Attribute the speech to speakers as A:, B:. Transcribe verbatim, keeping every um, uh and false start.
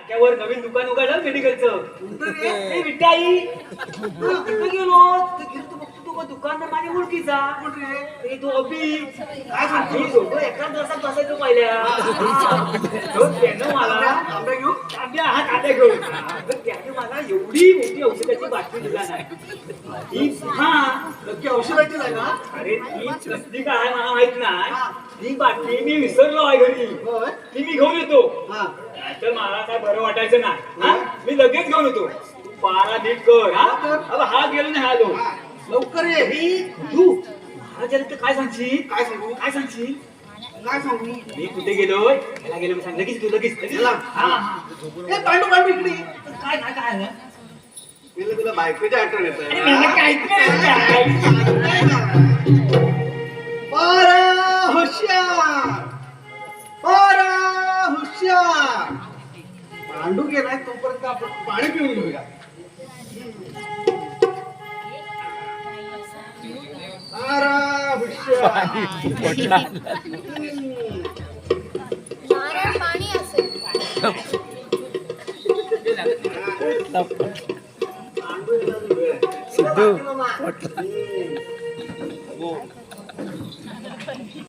A: नाक्यावर नवीन दुकान उघडलं मेडिकलचं. ए विठाई कुठे गेलो तर बघतो तो दुकानदार माझ्या ओळखीचा. ए तो अभि काय सांगतो दोघं एकाच दिवसात बसायचो पहिल्या. त्यानं मला तांब्या घेऊ तांब्या हा तांब्या घेऊ त्याने मला एवढी मोठी औषधाची बाटली दिला नाही. हा नक्की औषधाची नाही ना. अरे ती कसली काय मला माहित नाही. ती बाटली मी विसरलो आहे घरी. ती मी घेऊन येतो. तर मला काय बरं वाटायचं नाही. मी लगेच घेऊन येतो. तू पारा नीट कर. हा हा गेलो नाही आलो लवकर ये. तू महाराजांना काय सांगशील. काय सांगू काय सांगशील काय सांगू मी कुठे गेलोय त्याला गेलो मी सांग लगेच तू लगेच पांडू पांडू इकडे काय काय काय
B: तुला तुला बायकोच्या आठवण येत हुशार पारा हुशार. पांडू गेलाय तोपर्यंत आपण पाणी पिऊन घेऊया. पारा हुशार
C: पाणी असेल.
B: सिद्धू